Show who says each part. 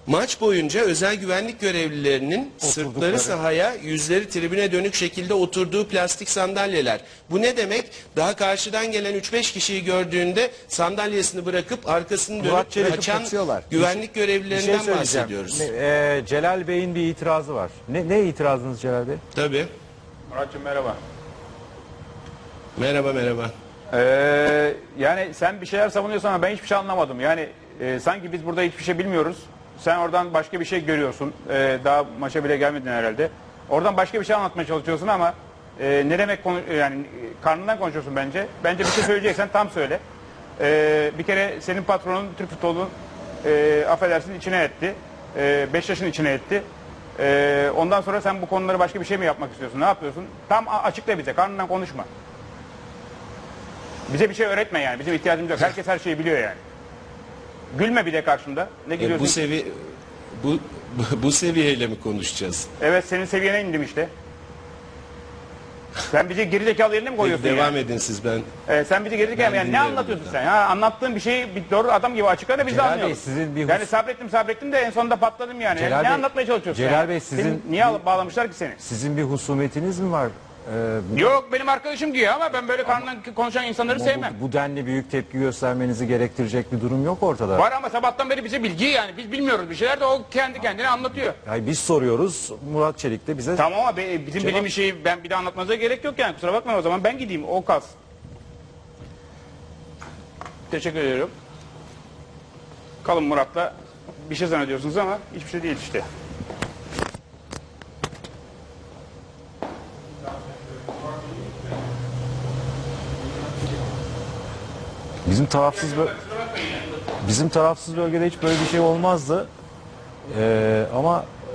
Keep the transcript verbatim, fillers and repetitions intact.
Speaker 1: Maç boyunca özel güvenlik görevlilerinin sırtları sahaya, yüzleri tribüne dönük şekilde oturduğu plastik sandalyeler. Bu ne demek? Daha karşıdan gelen üç beş kişiyi gördüğünde sandalyesini bırakıp arkasını
Speaker 2: Murat
Speaker 1: dönüp
Speaker 2: Çelik'i
Speaker 1: kaçan
Speaker 2: kaçıyorlar.
Speaker 1: güvenlik
Speaker 2: Bir
Speaker 1: görevlilerinden
Speaker 2: şey söyleyeceğim.
Speaker 1: bahsediyoruz.
Speaker 2: Ne- e, Celal Bey'in bir itirazı var. Ne, ne itirazınız Celal Bey?
Speaker 1: Tabii.
Speaker 3: Muratcığım merhaba.
Speaker 1: Merhaba merhaba.
Speaker 3: Ee, yani sen bir şeyler savunuyorsun ama ben hiçbir şey anlamadım. Yani e, sanki biz burada hiçbir şey bilmiyoruz. Sen oradan başka bir şey görüyorsun. Ee, daha maça bile gelmedin herhalde. Oradan başka bir şey anlatmaya çalışıyorsun ama e, ne demek konu, yani e, karnından konuşuyorsun bence. Bence bir şey söyleyeceksen tam söyle. Ee, bir kere senin patronun Türk futbolunun e, affedersin içine etti. E, beş yaşın içine etti. E, ondan sonra sen bu konuları başka bir şey mi yapmak istiyorsun? Ne yapıyorsun? Tam a- açıkla bize. Karnından konuşma. Bize bir şey öğretme yani. Bizim ihtiyacımız yok. Herkes her şeyi biliyor yani. Gülme bir de karşımda. Ne
Speaker 1: E,
Speaker 3: gülüyorsun?
Speaker 1: bu sevi bu, bu bu seviyeyle mi konuşacağız?
Speaker 3: Evet, senin seviyene indim işte. Sen bizi gerizekalı yerine mi koyuyorsun
Speaker 1: Devam
Speaker 3: yani?
Speaker 1: edin siz, ben
Speaker 3: Evet, sen bizi gerizekalı
Speaker 1: Ben
Speaker 3: yani ne
Speaker 1: dinliyorum
Speaker 3: anlatıyorsun
Speaker 1: burada.
Speaker 3: sen? Ha, anlattığın bir şeyi bir doğru adam gibi açıkla da biz de
Speaker 2: Celal Bey,
Speaker 3: anlayalım.
Speaker 2: sizin bir hus-
Speaker 3: Yani sabrettim sabrettim de en sonunda patladım yani.
Speaker 2: Celal
Speaker 3: ne
Speaker 2: Bey-
Speaker 3: anlatmaya çalışıyorsun?
Speaker 2: Celal
Speaker 3: yani?
Speaker 2: Bey, sizin-
Speaker 3: Seni niye alıp bağlamışlar ki seni?
Speaker 2: Sizin bir husumetiniz mi var? Ee,
Speaker 3: Yok, benim arkadaşım diyor ama ben böyle karnından konuşan insanları sevmem.
Speaker 2: bu, bu denli büyük tepki göstermenizi gerektirecek bir durum yok ortada.
Speaker 3: Var ama sabahtan beri bize bilgi yani. Biz bilmiyoruz bir şeyler de o kendi kendine anlatıyor.
Speaker 2: Yani biz soruyoruz, Murat Çelik de bize...
Speaker 3: Tamam ama be- bizim
Speaker 2: Cevap-
Speaker 3: bildiğim şeyi ben bir de anlatmanıza gerek yok yani. Kusura bakmayın, o zaman ben gideyim, o kalsın. Teşekkür ediyorum. Kalın Murat'la bir şey zannediyorsunuz ama hiçbir şey değil işte.
Speaker 2: Bizim tarafsız bö- bizim tarafsız bölgede hiç böyle bir şey olmazdı. Ee, ama